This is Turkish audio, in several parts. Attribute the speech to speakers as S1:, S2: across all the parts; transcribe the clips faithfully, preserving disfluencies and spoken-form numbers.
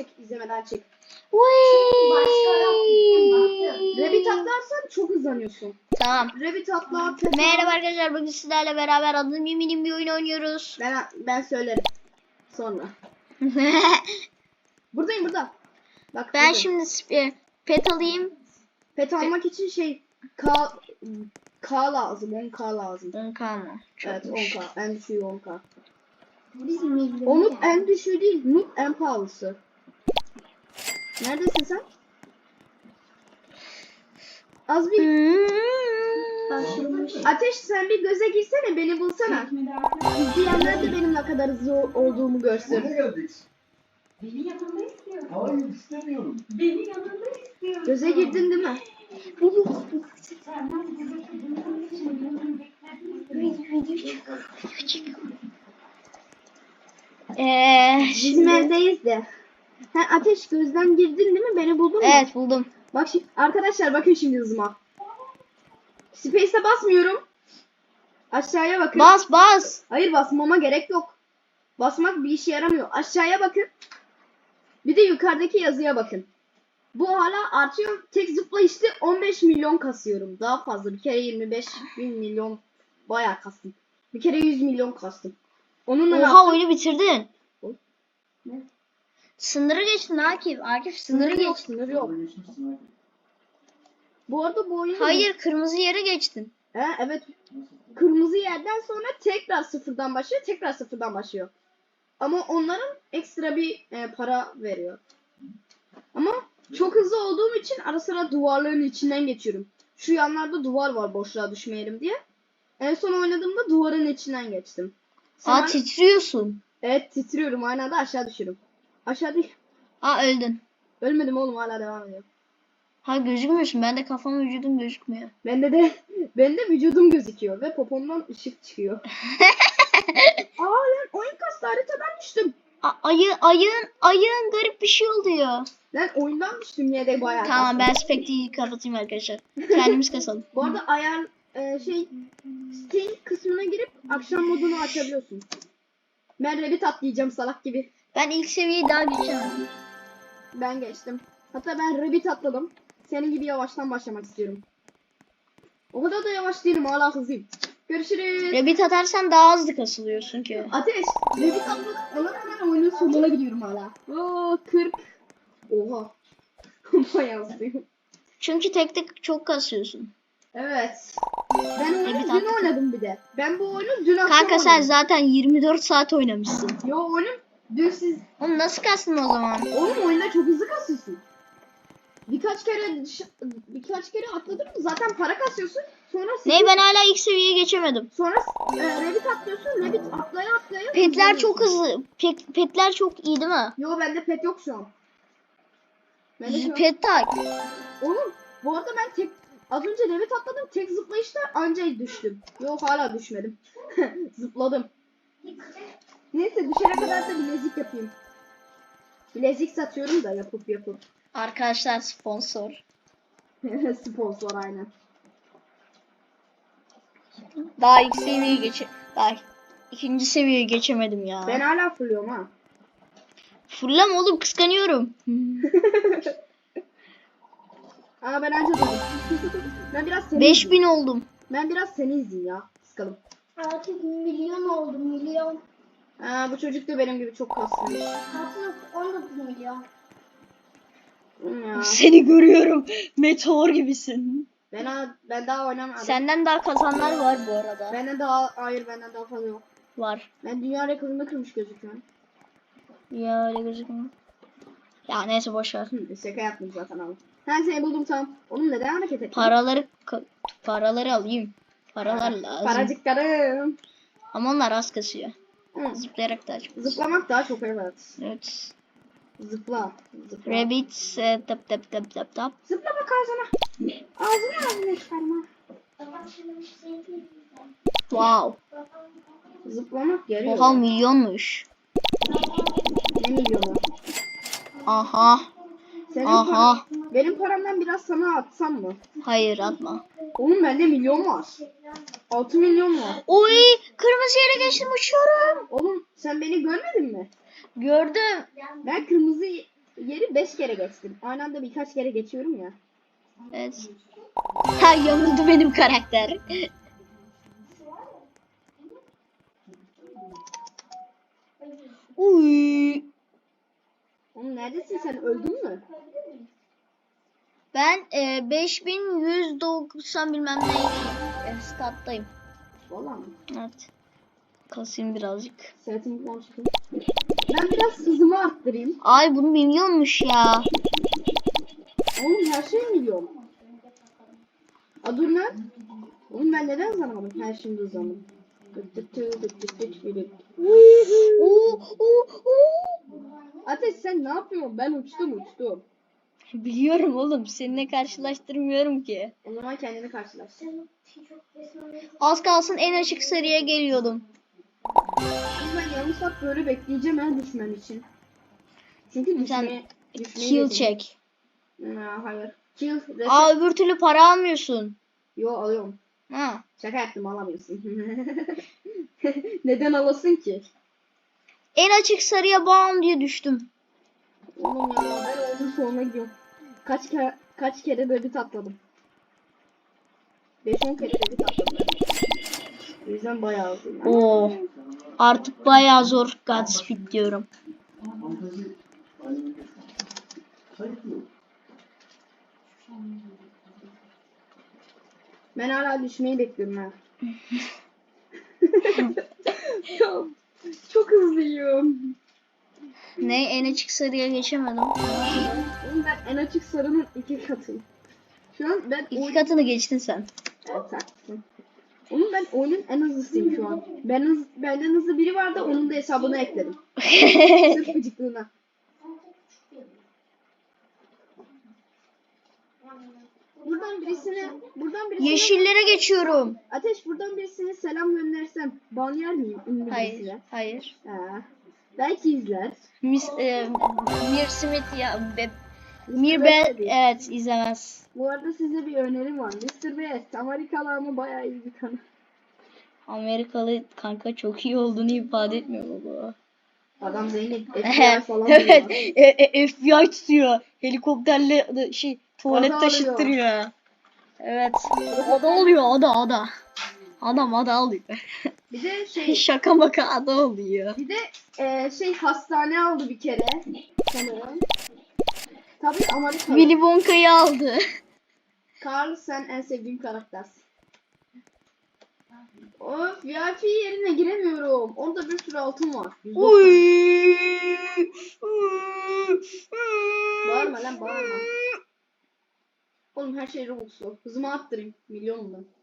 S1: çek. İzlemeden çek.
S2: Başka
S1: Rabbit atlarsan çok hızlanıyorsun.
S3: Tamam.
S1: Rabbit atla. Pet
S3: Merhaba
S1: al.
S3: arkadaşlar, bugün sizlerle beraber adım yeminim bir oyun oynuyoruz.
S1: Ben, ben söylerim. Sonra. Buradayım burada. Bak
S3: Ben
S1: buradayım.
S3: şimdi sp- pet alayım.
S1: Pet almak için şey K, K lazım. on K lazım.
S3: on K mı?
S1: Evet on K. En düşüğü on K.
S2: Biz milyon.
S1: O noob en düşüğü değil. Noob en pahalısı. Neredesin sen? Az bir
S2: Başlamış.
S1: Ateş, sen bir göze girsene, beni bulsana. İzleyenler de benim ne kadar hızlı olduğumu görsün.
S4: Nereye geldik?
S2: Beni yanında istiyor.
S4: Hayır istemiyorum.
S2: Beni yanında istiyor.
S1: Göze girdin değil mi?
S2: Senden buradaki bunun için
S3: Eee
S1: Bizim evdeyiz de. Sen Ateş gözden girdin değil mi? Beni buldun mu?
S3: evet buldum.
S1: Bak şimdi arkadaşlar, bakın şimdi hızıma. Space'e basmıyorum. Aşağıya bakın.
S3: Bas bas.
S1: Hayır, basmama gerek yok. Basmak bir işe yaramıyor. Aşağıya bakın. Bir de yukarıdaki yazıya bakın. Bu hala artıyor. Tek zıplayışta on beş milyon kasıyorum. Daha fazla. Bir kere yirmi beş bin milyon bayağı kastım. Bir kere yüz milyon kastım. Onunla ne
S3: Oha,
S1: yaptım?
S3: oyunu bitirdin.
S1: Ne?
S3: Sınırı geçtin Akif. Akif sınırı
S1: Sınırı yok,
S3: geçtin.
S1: sınırı yok.
S4: Orada geçmişsin abi.
S1: Bu arada bu oyunu...
S3: Hayır, kırmızı yere geçtin.
S1: He, evet.
S4: Nasıl?
S1: Kırmızı yerden sonra tekrar sıfırdan başlıyor. Tekrar sıfırdan başlıyor. Ama onların ekstra bir e, para veriyor. Ama çok hızlı olduğum için ara sıra duvarların içinden geçiyorum. Şu yanlarda duvar var, boşluğa düşmeyelim diye. En son oynadığımda duvarın içinden geçtim.
S3: Aa,
S1: Sen-
S3: titriyorsun.
S1: Evet, titriyorum. Aynı anda aşağı düşüyorum. Aşağı değil.
S3: Aa, öldün.
S1: Ölmedim oğlum, hala devam ediyor.
S3: Ha, gözükmüyorsun. Ben de kafam vücudum gözükmüyor.
S1: Bende de bende vücudum gözüküyor ve popomdan ışık çıkıyor. Aa lan, oyun kastı, haritadan düştüm.
S3: A- ayı ayın ayın garip bir şey oluyor.
S1: Lan oyundan düştüm yine de bayağı
S3: Tamam,
S1: kastım.
S3: ben Spectre'yi kapatayım arkadaşlar. Kendimiz kasalım.
S1: Bu arada ayar e, şey Steam kısmına girip akşam modunu açabiliyorsun. Ben Rabbit atlayacağım salak gibi.
S3: Ben ilk seviyeyi daha geçemedim.
S1: Ben geçtim. Hatta ben Rabbit atladım. Senin gibi yavaştan başlamak istiyorum. O kadar da yavaş değilim, hala hızlıyım. Görüşürüz.
S3: Rabbit atarsan daha hızlı kasılıyorsun ki.
S1: Ateş. Rabbit atladım. Ona hemen oyunun sonuna gidiyorum hala. Oo kırk. Oha. Bayağı hızlıyım.
S3: Çünkü tek tek çok kasıyorsun.
S1: Evet. Ben oyunu
S3: Rabbit
S1: dün
S3: atladım.
S1: oynadım bir de. Ben bu oyunu dün akşam
S3: Kanka sen
S1: oynadım.
S3: zaten yirmi dört saat oynamışsın.
S1: Yo oyunum dün siz
S3: Oğlum nasıl kastın o zaman?
S1: Oğlum oyunda çok hızlı kasıyorsun. Birkaç kere dış- birkaç kere atladın mı zaten para kasıyorsun. Sonra
S3: Ne, ben hala ilk seviyeye geçemedim.
S1: sonra e, Rabbit atlıyorsun. Rabbit atlaya atlaya.
S3: Petler çok
S1: hızlanıyorsun.
S3: hızlı. Pet, petler çok iyi değil mi?
S1: Yo bende pet yok şu an. Bende şu an-
S3: Pet tak.
S1: Oğlum bu arada ben tek az önce Rabbit atladım. Tek zıplayışta anca düştüm. Yo hala düşmedim. Zıpladım. Neyse düşene kadar da bilezik yapayım. Bilezik satıyorum da yapıp yapıp.
S3: Arkadaşlar sponsor.
S1: Sponsor aynen.
S3: Daha ilk seviyeye geçe... Daha ikinci seviyeye geçemedim ya.
S1: Ben hala fırlıyorum ha.
S3: Fırlam oğlum, kıskanıyorum.
S1: Aa ben anca durdum. Ben biraz seni
S3: beş
S1: izleyeyim.
S3: bin oldum.
S1: Ben biraz seni izleyeyim ya. Sıkalım.
S2: Artık milyon oldu milyon.
S1: Aa bu çocuk da benim gibi çok kaslıymış.
S2: Artık on dokuz milyon.
S1: Hmm ya.
S3: Seni görüyorum. Meteor gibisin.
S1: Ben, ha- ben daha oynamadım.
S3: Senden daha kazanlar var bu arada.
S1: Benden daha hayır benden daha fazla yok.
S3: Var.
S1: Ben dünya rekorunu kırmış gözüküyorum.
S3: Ya öyle gözükmüyor. Ya neyse boşver.
S1: Hı, şaka yaptım zaten abi. Ben seni buldum tamam. Oğlum neden hareket ettin?
S3: Paraları ka- paraları alayım. Paralar lazım.
S1: Paracıklarım.
S3: Ama onlar az kasıyor.
S1: Hı.
S3: Zıplayarak daha çok.
S1: Zıplamak daha çok evet.
S3: Evet.
S1: Zıpla. Zıpla.
S3: Rabbit e, tap tap tap tap tap.
S1: Zıpla bak ağzına. Ağzına ağzına çıkarma.
S3: Wow.
S1: Zıplamak yarıyor.
S3: Oha, milyonmuş.
S1: Ne milyonu?
S3: Aha.
S1: Senin
S3: Aha.
S1: paran- benim paramdan biraz sana atsam mı?
S3: Hayır, atma.
S1: Oğlum bende milyon var. altı milyon var.
S3: Oy, kırmızı yere geçtim, uçuyorum.
S1: Oğlum sen beni görmedin mi?
S3: Gördüm.
S1: Ben kırmızı yeri beş kere geçtim. Aynı anda birkaç kere geçiyorum ya.
S3: Evet. Ha, yamuldu benim karakter. Uy.
S1: Oğlum neredesin sen? Öldün mü?
S3: Ben e, beş bin yüz doksan bilmem ne e, stat'tayım.
S1: Valla mı?
S3: Evet. Kasayım birazcık.
S1: Sırtımdan çıkayım. Ben biraz hızımı arttırayım.
S3: Ay bu milyonmuş ya.
S1: Oğlum her şey milyon. A dur lan. Oğlum ben neden hızlanamadım? Her şeyimde hızlandım.
S3: Oo, oo, oo.
S1: Ateş sen ne yapıyorsun? Ben uçtum uçtum.
S3: Biliyorum oğlum. Seninle karşılaştırmıyorum ki.
S1: O zaman kendini karşılaş.
S3: Az kalsın en açık sarıya geliyordum.
S1: Oğlum ben yarım saat böyle bekleyeceğim ben düşmem için. Çünkü düşme,
S3: Sen
S1: düşmeyi
S3: kill
S1: yeteneğim.
S3: çek.
S1: Ha, hayır. Kill. Reset.
S3: Aa, öbür türlü para almıyorsun.
S1: Yo alıyorum.
S3: Ha.
S1: Şaka yaptım alamıyorsun. Neden alasın ki?
S3: En açık sarıya bam diye düştüm.
S1: Oğlum ya ben onun sonuna gidiyorum. Kaç kere kaç kere debit atladım. beş on kere debit atladım ben. O yüzden bayağı uzun.
S3: Oo. Artık bayağı zor Godspeed diyorum.
S1: Ben hala düşmeyi bekliyorum ha. Ya, çok hızlıyım.
S3: Ne, en açık sarıya geçemedim.
S1: Oğlum ben en açık sarının iki katıyım. Şu an ben
S3: İki
S1: oyun...
S3: katını geçtin sen.
S1: Evet haklısın. Oğlum ben oyunun en hızlısıyım şu an. Ben hız, benden hızlı biri vardı onun da hesabını ekledim. Sırf gıcıklığına. Buradan birisine, buradan birisine...
S3: Yeşillere geçiyorum.
S1: Ateş buradan birisine selam göndersem ban yer miyim? Ünlü
S3: Hayır,
S1: birisine.
S3: hayır.
S1: Ha. Belki izler.
S3: Mis, e, Mir Smith ya. Be, Mir
S1: mister
S3: Ben,
S1: Beast de değil.
S3: evet, izlemez.
S1: Bu arada size bir önerim var. mister Beast Amerikalı ama bayağı iyi bir kanal.
S3: Amerikalı kanka çok iyi olduğunu ifade etmiyor mu bu?
S1: Adam Zeynep F B I falan
S3: Evet.
S1: diyor.
S3: E, e, F B I tutuyor. Helikopterle de- şey tuvalet
S1: Ada
S3: taşıttırıyor. Evet. Ada oluyor, ada ada. Adam ada alıyor.
S1: Bir de şey
S3: Şaka maka ada oluyor.
S1: bir de e, şey hastane aldı bir kere sanırım. Tabii Amerikalı.
S3: Willy Wonka'yı aldı.
S1: Carl sen en sevdiğim karaktersin. Of V I P yerine giremiyorum. Orada bir sürü altın var. yüz doksan.
S3: Uy.
S1: Bağırma lan bağırma. Oğlum her şey Robux'lu. Hızımı arttırayım. Milyonum ben.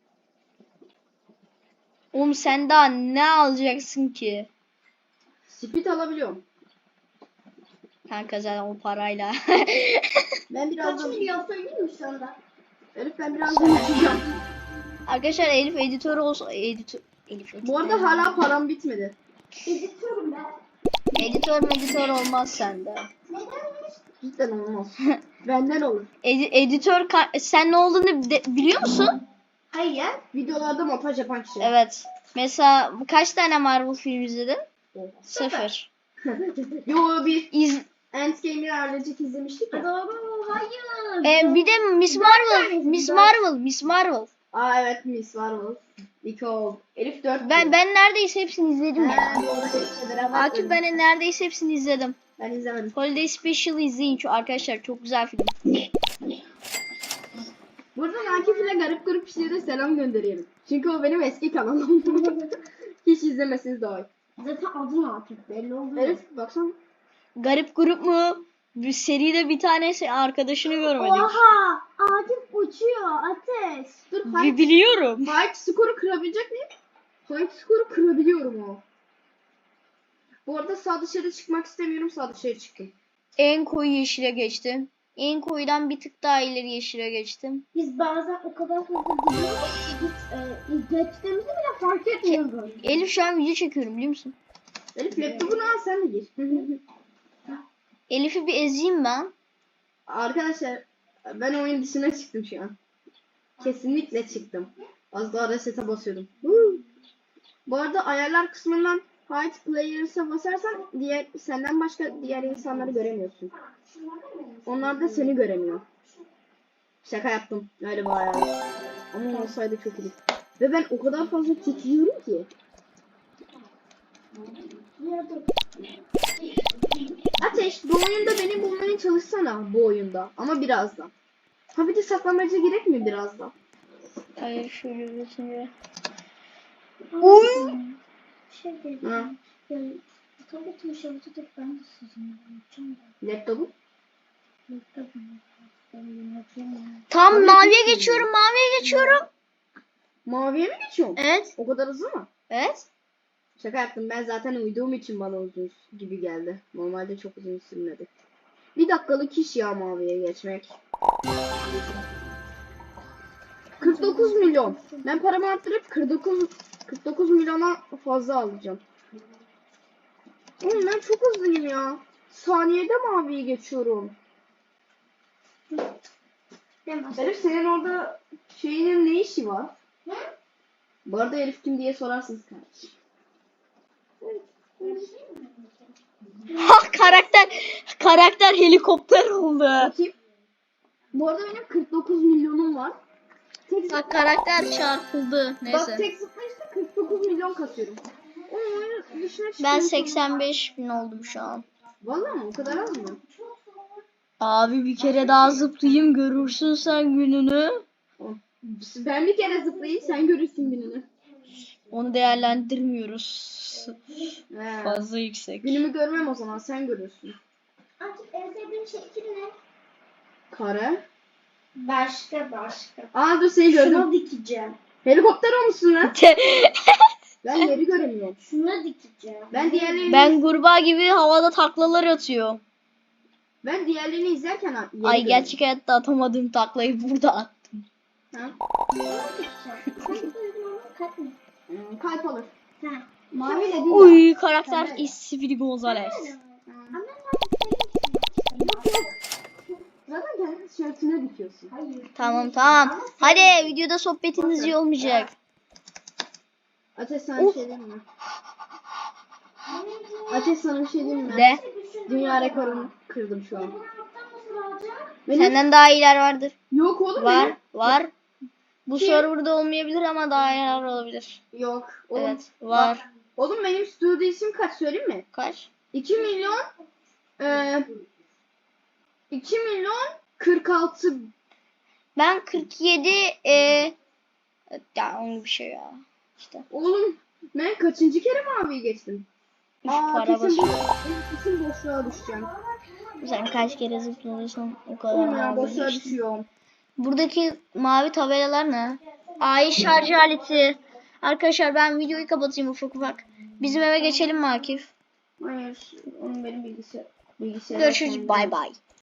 S3: Oğlum sen daha ne alacaksın ki?
S1: Speed alabiliyorum.
S3: Kanka zaten o parayla.
S1: Ben
S2: Kaç
S1: birazdan...
S2: milyon söyleyeyim mi şu anda?
S1: Elif ben birazdan uçacağım.
S3: Arkadaşlar Elif editör olsa editör Elif editör.
S1: Bu arada hala param bitmedi.
S2: Editörüm ben.
S3: Editör meditör olmaz sende.
S2: Nedenmiş?
S1: Cidden olmaz. Benden olur.
S3: Edi- editör ka- sen ne olduğunu de- biliyor musun?
S1: Hayır. Videolarda montaj yapan kişi.
S3: Evet. Mesela kaç tane Marvel film izledin?
S1: Sıfır.
S3: Sıfır.
S1: Yo bir
S3: İz
S1: Endgame'i ailecek izlemiştik ya.
S2: Doğru. Hayır.
S3: e, bir de Miss Marvel, Miss Marvel, Miss Marvel.
S1: Aa evet Miss Marvel. İki oldu. Elif dört.
S3: Ben ben neredeyse hepsini izledim ya.
S1: He, doğru. Elif'le beraber
S3: Akif
S1: öyle.
S3: ben neredeyse hepsini izledim.
S1: Ben izlemedim.
S3: Holiday Special izleyin şu arkadaşlar, çok güzel film.
S1: Buradan Akif'le garip garip işlere selam gönderiyorum. Çünkü o benim eski kanalım. Hiç izlemesiniz daha iyi.
S2: Zaten adın Akif belli oldu.
S1: Elif baksana.
S3: Garip grup mu? Bir seride bir tanesi arkadaşını görmedik.
S2: Oha! Akif uçuyor. Ateş.
S1: Dur
S3: Bi-
S1: fight,
S3: biliyorum.
S1: fight skoru kırabilecek miyim? Fight skoru kırabiliyorum o. Bu arada sağ dışarı çıkmak istemiyorum. Sağ dışarı çıktım.
S3: En koyu yeşile geçtim. En koyudan bir tık daha ileri yeşile geçtim.
S2: Biz bazen o kadar hızlı gidiyoruz ki biz e, geçtiğimizi bile fark etmiyoruz.
S3: Elif şu an video çekiyorum biliyor musun?
S1: Elif laptopunu al sen de gir.
S3: Elif'i bir ezeyim ben.
S1: Arkadaşlar ben oyun dışına çıktım şu an. Kesinlikle çıktım. Az daha resete basıyordum. Huu. Bu arada ayarlar kısmından Hide Players'a basarsan diğer senden başka diğer insanları göremiyorsun. Onlar da seni göremiyor. Şaka yaptım. Öyle bayağı. Ama olsaydı çok iyi. Ve ben o kadar fazla titriyorum ki. Ateş, bu oyunda beni bulmaya çalışsana bu oyunda. Ama birazdan. Ha bir de saklambaca gerek mi birazdan?
S3: Hayır şöyle bir şimdi.
S2: Uy. Şey
S1: Ha.
S2: dedim. Yani tabletim şarjı da ben de sizinle yapacağım da.
S1: Laptopu?
S2: Laptopum. Ben de yapayım.
S3: Tam
S1: Tabii
S3: maviye
S1: ki.
S3: geçiyorum, maviye geçiyorum.
S1: Maviye mi geçiyorum?
S3: Evet,
S1: O kadar hızlı mı?
S3: evet.
S1: Şaka yaptım. Ben zaten uyuduğum için bana uzun gibi geldi. Normalde çok uzun sürmedi. Bir dakikalık iş ya maviye geçmek. kırk dokuz milyon. Ben paramı arttırıp kırk dokuz kırk dokuz milyona fazla alacağım. Oğlum ben çok hızlıyım ya. Saniyede maviye geçiyorum. Elif senin orada şeyinin ne işi var?
S2: Hı?
S1: Bu arada Elif kim diye sorarsınız kardeşim.
S3: Ha karakter, karakter helikopter oldu.
S1: Bakayım. Bu arada benim kırk dokuz milyonum var. Tek
S3: Bak karakter çarpıldı.
S1: Bak
S3: Neyse.
S1: tek zıplayışta kırk dokuz milyon katıyorum. O oyunu dışına
S3: Ben
S1: çıkıyorum.
S3: seksen beş bin oldum şu an.
S1: Vallahi mı? O kadar az mı?
S3: Abi bir kere daha zıplayayım görürsün sen gününü.
S1: Ben bir kere zıplayayım sen görürsün gününü.
S3: Onu değerlendirmiyoruz.
S1: He.
S3: Fazla yüksek.
S1: Günümü görmem o zaman sen görürsün.
S2: Artık en sevdiğin şekil ne?
S1: Kare.
S2: Başka başka.
S1: Aa dur seni gördüm.
S2: Şuna dikeceğim.
S1: Helikopter olmuşsun lan. Ben yeri göremiyorum.
S2: Şuna dikeceğim.
S1: Ben diğerlerini
S3: Ben kurbağa gibi havada taklalar atıyorum.
S1: ben diğerlerini izlerken ha- yeri
S3: Ay
S1: görüyorum.
S3: gerçek hayatta atamadığım taklayı burada attım.
S1: Ha?
S2: Şuna dikeceğim. Kalp uygulamanın kalp mi?
S1: Hmm, kalp alır.
S2: Ha.
S1: Mavi de değil.
S3: Uy karakter
S1: Sen de-
S3: Speedy Gonzales.
S1: Hmm.
S2: Ama sen
S1: Yok yok. Zaten kendi tişörtüne dikiyorsun.
S2: Hayır.
S3: Tamam tamam. Hadi videoda sohbetiniz iyi olmayacak.
S1: Ateş sana bir
S3: Of.
S1: şey diyeyim mi? Ateş sana bir şey diyeyim mi?
S3: De.
S1: Dünya rekorumu kırdım şu an.
S2: Bunu yaptan nasıl alacağım?
S1: Benim...
S3: Senden daha iyiler vardır.
S1: Yok oğlum
S3: Var
S1: benim.
S3: var. Bu
S1: Kim?
S3: serverda olmayabilir ama daha iyiler olabilir.
S1: Yok. Oğlum,
S3: Evet var.
S1: bak, oğlum benim stüdyo isim kaç söyleyeyim mi?
S3: Kaç?
S1: iki milyon eee iki milyon kırk altı.
S3: Ben kırk yedi e, ya onun bir şey ya. İşte.
S1: Oğlum ben kaçıncı kere maviye geçtim?
S3: Üf,
S1: Aa
S3: para
S1: kesin,
S3: basıyor.
S1: bo- kesin boşluğa düşeceğim.
S3: Sen kaç kere zıplıyorsun o kadar.
S1: Oğlum ya
S3: mavi
S1: boşluğa
S3: geçtin.
S1: düşüyorum.
S3: Buradaki mavi tabelalar ne? Ay şarj aleti. Arkadaşlar ben videoyu kapatayım ufak ufak. Bizim eve geçelim mi Akif?
S1: Hayır. Onun benim bilgisayar. Bilgisayar.
S3: Görüşürüz. Bay bay.